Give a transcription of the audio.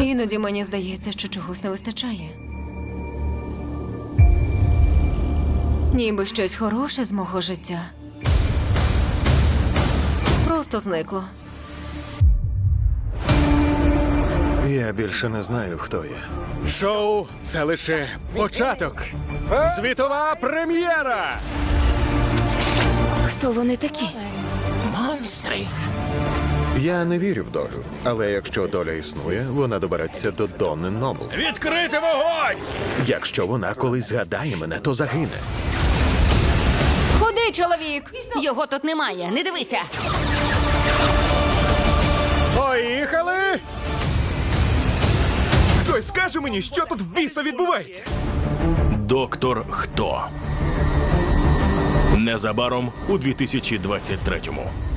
Іноді мені здається, що чогось не вистачає. Ніби щось хороше з мого життя просто зникло. Я більше не знаю, хто я. Шоу – це лише початок. Світова прем'єра! Хто вони такі? Монстри. Я не вірю в долю, але якщо доля існує, вона добереться до Донни Нобл. Відкрити вогонь! Якщо вона колись згадає мене, то загине. Ходи, чоловік! Його тут немає, не дивися! Поїхали! Хтось скаже мені, що тут в біса відбувається? Доктор Хто. Незабаром у 2023-му.